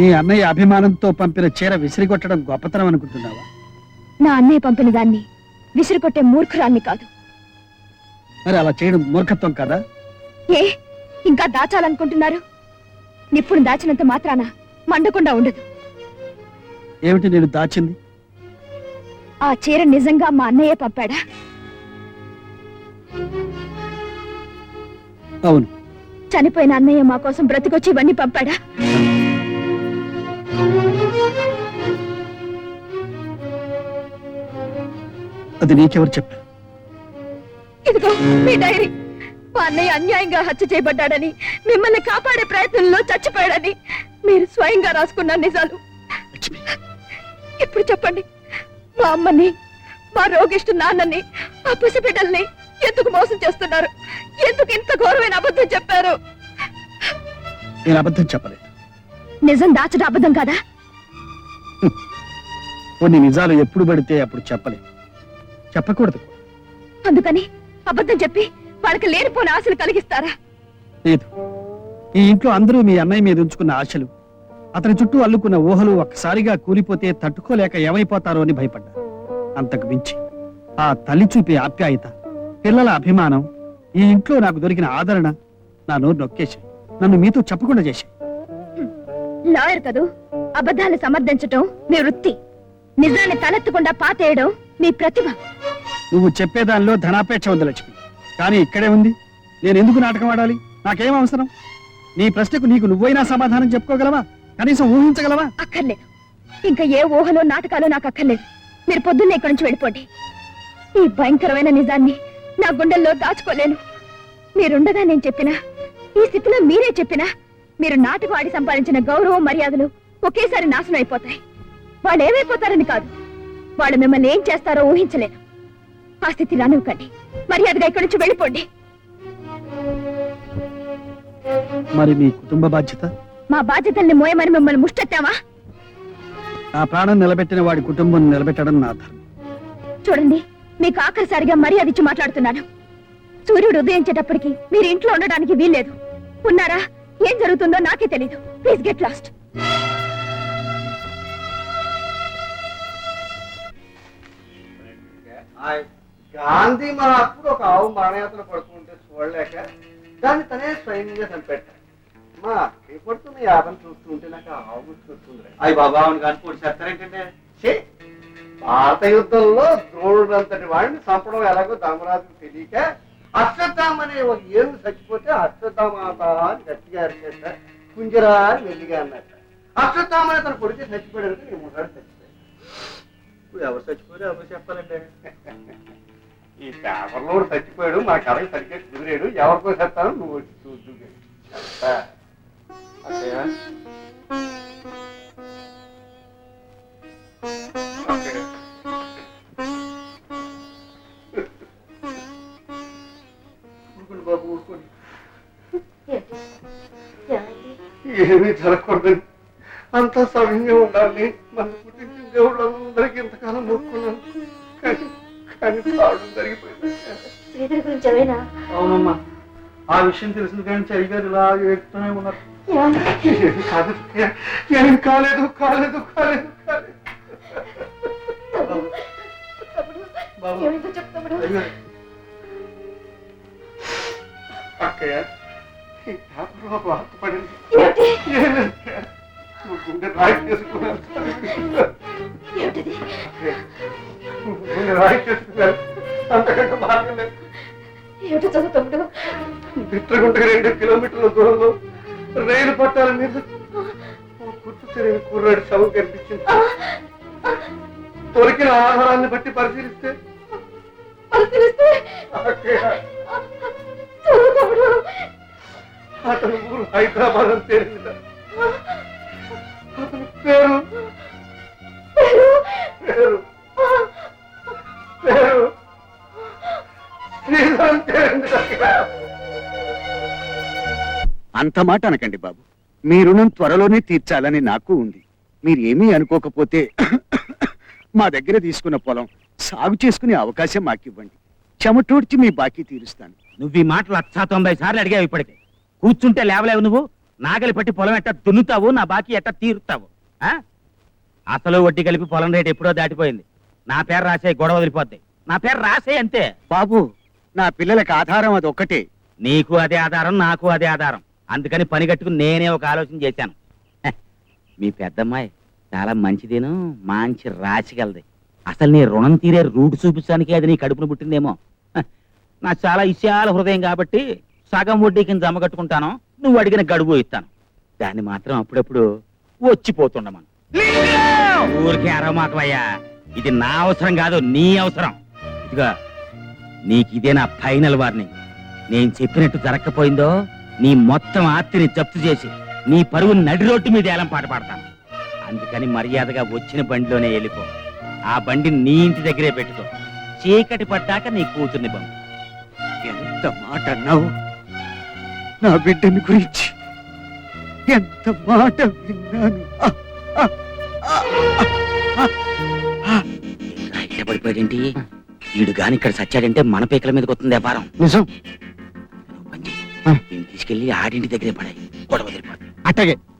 నీ అన్నయ్య అభిమానంతో పంపిన చీర విసిరికొట్టడం గొప్పతనం అనుకుంటున్నావా? నా అన్నయ్య పంపిన దాన్ని విసిరికొట్టే మూర్ఖురాల్ని కాదు. మరి అలా చేయడం మూర్ఖత్వం కదా? ఏ ఇంకా దాచాలనుకుంటున్నారు? నిప్పుడు దాచినంత మాత్రాన మండకుండా ఉండదు. ఏమిటి నేను దాచింది? ఆ చీర నిజంగా మా అన్నయ్య పంపాడా? అవును. చనిపోయిన అన్నయ్య మా కోసం బ్రతికొచ్చి ఇవన్నీ పంపాడా? అది నీకెవరు చెప్పారు? ఇదిగో మీ డైరీ. మా అన్నయ్య అన్యాయంగా హత్య చేయబడ్డాడని, మిమ్మల్ని కాపాడే ప్రయత్నంలో చచ్చిపోయాడని మీరు స్వయంగా రాసుకున్న నిజాలు. ఇప్పుడు చెప్పండి, మా అమ్మని, మా రోగిష్టు నాన్నని, ఆ పసిబిడ్డల్ని ఎందుకు మోసం చేస్తున్నారు? ఎందుకు ఇంత ఘోరమైన అబద్ధం చెప్పారు? నేను అబద్ధం చెప్పలేదు. నిజం దాచడం అబద్ధం కాదా? కొన్ని నిజాలు ఎప్పుడు పడితే అప్పుడు చెప్పలేదు, చెప్పకూడదు. అందుకని అబద్ధం చెప్పి వాళ్ళకి లేనిపోని ఆశలు కలిగిస్తారా? లేదు. ఈ ఇంట్లో అందరూ మీ అన్నయ్య మీద ఉంచుకున్న ఆశలు, అతని చుట్టూ అల్లుకున్న ఊహలు ఒక్కసారిగా కూలిపోతే తట్టుకోలేక ఏమైపోతారో అని భయపడ్డా. అంతకు మించి ఆ తల్లి చూపే ఆప్యాయత, పిల్లల అభిమానం, ఈ ఇంట్లో నాకు దొరికిన ఆదరణ నా నోరు నొక్కేశాయి, నన్ను మీతో చెప్పకుండా చేశాయి. లాయర్ కదూ, అబద్ధాన్ని సమర్థించటం మీ వృత్తి, నిజాన్ని తలెత్తకుండా పాతేయడం మీ ప్రతిభ. నువ్వు చెప్పేదానిలో ధనాపేక్ష ఉంది లక్ష్మి, కానీ ఇక్కడే ఉంది. నేను ఎందుకు నాటకం ఆడాలి? నాకేం అవసరం? నీ ప్రశ్నకు నీకు నువ్వైనా సమాధానం చెప్పుకోగలవా? కనీసం ఊహించగలవా? అక్కర్లేదు. ఇంకా ఏ ఊహలో నాటకాలు నాకు అక్కర్లేదు. మీరు పొద్దున్నే ఇక్కడి నుంచి వెళ్ళిపోండి. ఈ భయంకరమైన నిజాన్ని నా గుండెల్లో దాచుకోలేను. మీరుండగా నేను చెప్పినా, ఈ స్థితిలో మీరే చెప్పినా, మీరు నాటకం ఆడి సంపాదించిన గౌరవం మర్యాదలు ఒకేసారి నాశనం అయిపోతాయి. వాళ్ళు ఏమైపోతారని కాదు, వాళ్ళు మిమ్మల్ని ఏం చేస్తారో ఊహించలేను. ఆ స్థితి రానివ్వకండి. మర్యాదగా ఇక్కడి నుంచి వెళ్ళిపోండి. మరి మీ కుటుంబ బాధ్యత? మా బాధ్యతల్ని మోయమని మిమ్మల్ని ముష్టెత్తామా? నా ప్రాణం నిలబెట్టిన వాడి కుటుంబం నిలబెట్టడం నా ధర్మం. చూడండి, మీకు ఆఖరిసారిగా మర్యాద ఇచ్చి మాట్లాడుతున్నాను. సూర్యుడు ఉదయించేటప్పటికి మీరు ఇంట్లో ఉండడానికి వీల్లేదు. ఉన్నారా? ఏం జరుగుతుందో నాకే తెలీదు. Please get lost. గాంధీ మహాత్ముడు ఒక ఆవు మరణయాత్ర పడుతుంటే చూడలేక దాన్ని తనే స్వయంగా చంపెట్టాడు. మా అక్కయ్య పడుతున్న యాభై చూస్తుంటే నాకు ఆవు గుర్తుకొస్తుంది. అయ్యి బాబా అవును కానీ పొడి చేస్తారేంటంటే, భారత యుద్ధంలో ద్రోణుడు అంతటి వాడిని చంపడం ఎలాగో ధర్మరాజుకు తెలియక అశ్వత్థామ అనే ఒక ఏనుగు చచ్చిపోతే అశ్వత్థామాత అని గట్టిగా అరిచేట, కుంజరా అని మెల్లిగా అన్నట్ట. అశ్వత్థామ అనే తన కొడుకు చచ్చిపోయాడు. నేను ఒకసారి చచ్చిపోయాడు. ఇప్పుడు ఎవరు చచ్చిపోయారు ఎవరు చెప్పాలంటే, ఈ పేపర్లో చచ్చిపోయాడు, మా కళకి సరిగ్గా కుదిరాడు, ఎవరికో చెప్తాను నువ్వు వచ్చి చూద్దు. బాబు ఊరుకోండి, ఏమీ జరగకూడదని, అంతా సమయంగా ఉండాలి. మన పుట్టించిన దేవుళ్ళు అందరికీ ఇంతకాలం మొక్కున్నాను, కానీ జరిగిపోయింది. అవునమ్మా, ఆ విషయం తెలిసింది కానీ చరిగారు ఇలా ఏడుతూనే ఉన్నారు. ఏమి కాలేదు కాలేదు కాలేదు కాలేదు. అక్కయ్య, ఈ పేపర్లో ఒక వార్త పడింది. గుండె రాయి చేసుకున్నాను, గుండె రాయి చేసుకున్నాను, అంతకంటే మార్గం లేదు. బిట్రగుంటకి 2 కిలోమీటర్ల దూరంలో రైలు పట్టాల మీద గుర్తు తెలియని కుర్రాడి శవం కనిపించింది. దొరికిన ఆధారాన్ని బట్టి పరిశీలిస్తే అతని ఊరు హైదరాబాద్ అని తేలింది. అతని పేరు పేరు పేరు శ్రీధరం తేలింది. అంత మాట అనకండి బాబు, మీ రుణం త్వరలోనే తీర్చాలని నాకు ఉంది. మీరేమీ అనుకోకపోతే మా దగ్గర తీసుకున్న పొలం సాగు చేసుకునే అవకాశం మాకివ్వండి. చెమటోడ్చి మీ బాకీ తీరుస్తాను. నువ్వు ఈ మాటలు 90 సార్లు అడిగావు. ఇప్పటికే కూర్చుంటే లేవలేవు. నువ్వు నాగలి పట్టి పొలం ఎట్టా దున్నుతావు, నా బాకీ ఎట్టా తీరుతావు? ఆ? అసలు వడ్డీ కలిపి పొలం రేటు ఎప్పుడో దాటిపోయింది. నా పేరు రాసే, గొడవ వదిలిపోద్ది. నా పేరు రాసే అంతే. బాబు, నా పిల్లలకు ఆధారం అది ఒక్కటే. నీకు అదే ఆధారం, నాకు అదే ఆధారం. అందుకని పని కట్టుకుని నేనే ఒక ఆలోచన చేశాను. హె, మీ పెద్దమ్మాయి చాలా మంచిదేను, మంచి రాసిగలది. అసలు నీ రుణం తీరే రూట్ చూపించడానికి అది నీ కడుపును పుట్టిందేమో. హె, నాకు చాలా విశాల హృదయం కాబట్టి సగం వడ్డీ కింద జమ కట్టుకుంటాను, నువ్వు అడిగిన గడువు ఇస్తాను. దాన్ని మాత్రం అప్పుడప్పుడు వచ్చిపోతుండమను. ఊరికే అరవమాకవయ్యా, ఇది నా అవసరం కాదు, నీ అవసరం. ఇదిగా నీకు ఇదే నా ఫైనల్ వార్నింగ్. నేను చెప్పినట్టు జరగకపోయిందో నీ మొత్తం ఆస్తిని జప్తు చేసి నీ పరువు నడి రోడ్డు మీద ఏలం పాట పాడతాను. అందుకని మర్యాదగా వచ్చిన బండిలోనే వెళ్ళిపో. ఆ బండిని నీ ఇంటి దగ్గరే పెట్టుకో. చీకటి పడ్డాక నీ కూతుర్ని పంపు. ఎంత మాట అన్నావు నా బిడ్డని గురించి, ఎంత మాట విన్నాను. ఇట్లా పడిపోయాడేంటి వీడు? గాని ఇక్కడ సచ్చాడంటే మన పీకల మీదకి వస్తుంది వ్యాపారం. నిజం. దీన్ని తీసుకెళ్లి ఆడింటి దగ్గరే పడాయి, గొడవ వదిలిపోతుంది. అట్టగే